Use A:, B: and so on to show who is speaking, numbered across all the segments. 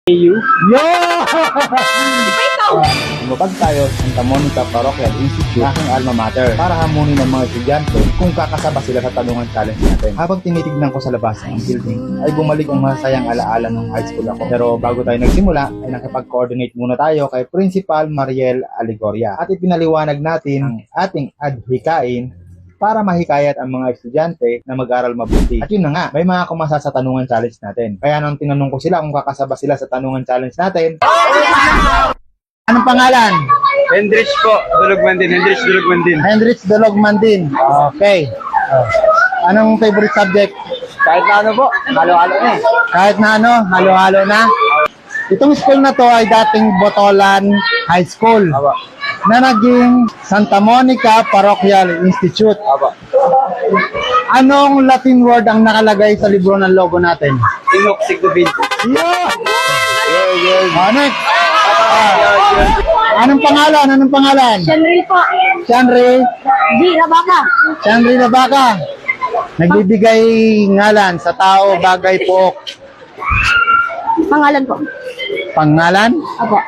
A: Yo!
B: Lumabag tayo sa Santa Monica Parochial Institute, aking alma mater, para hamunin ng mga estudyante kung kakasaba sila sa tanungan challenge natin. Habang tinitignan ko sa labas ang building, ay bumalik ang masayang alaala ng high school ako. Pero bago tayo nagsimula, ay nakipag-coordinate muna tayo kay Principal Mariel Aligoria at ipinaliwanag natin ang ating adhikain para mahikayat ang mga estudyante na mag-aral mabuti. At yun na nga, may mga kumasa sa tanungan challenge natin. Kaya nang tinanong ko sila kung kakasaba sila sa tanungan challenge natin. Anong pangalan?
A: Hendrich po, Dulugmandin. Hendrich Dulugmandin.
B: Hendrich Dulugmandin. Okay. Anong favorite subject?
A: Kahit na ano po, halo-halo na eh.
B: Kahit na ano, halo-halo na. Itong school na to ay dating Botolan High School
A: Aba.
B: na naging Santa Monica Parochial Institute.
A: Aba.
B: Anong Latin word ang nakalagay sa libro ng logo natin?
A: Inok Sigdubin.
B: Yeah!
A: Yeah.
B: Next. Anong pangalan? Anong pangalan?
C: Shenry po.
B: Shanri.
C: Di na baka.
B: Shanri na baka. Nagbibigay ngalan sa tao, bagay, pook.
C: Pangalan po.
B: Pangalan?
C: Apo.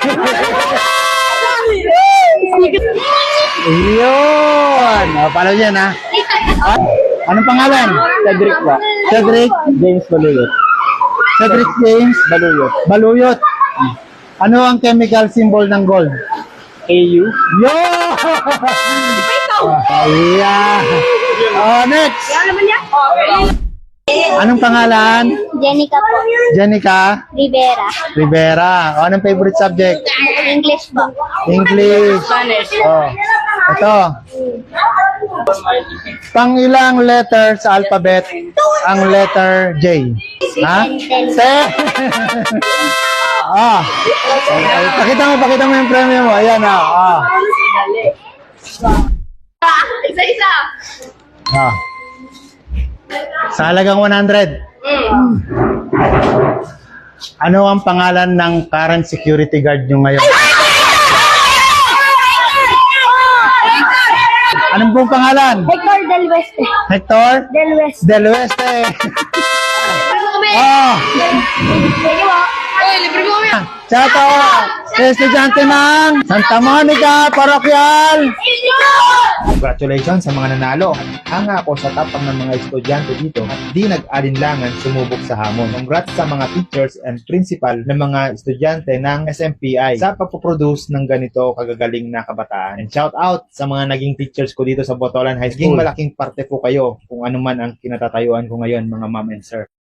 B: Iyon! O, paano yan, ha? Anong pangalan?
A: Cedric po.
B: Cedric?
A: James Baluyot.
B: Cedric James?
A: Baluyot.
B: Baluyot. Ano ang chemical symbol ng gold?
A: AU.
B: Yo! Yeah. Oh, next.
C: Ano naman niya?
B: Anong pangalan?
C: Jenica po.
B: Jenica
C: Rivera.
B: Rivera. O, anong favorite subject?
C: English po.
B: English.
C: Spanish.
B: Oh. Ito. Pang ilang letter sa alphabet ang letter J? Ha? Se. Ah. Pakita mo yung premium mo. Ayan ah.
C: Isa-isa.
B: Ah. Sa halagang 100. Ano ang pangalan ng current security guard nyo ngayon? Anong pong pangalan?
C: Hector Del Weste.
B: Hector?
C: Del Weste.
B: Del Oeste. Oh.
C: Sige po. Uy, libre mo kami.
B: Shout out sa estudyante ng Santa Monica Parochial. Congratulations sa mga nanalo. Hanga ako sa tapang ng mga estudyante dito at di nag-alinlangan sumubok sa hamon. Congrats sa mga teachers and principal ng mga estudyante ng SMPI sa pagpoproduce ng ganito kagagaling na kabataan. And shout out sa mga naging teachers ko dito sa Botolan High School. Naging malaking parte po kayo kung ano man ang kinatatayuan ko ngayon, mga ma'am and sir.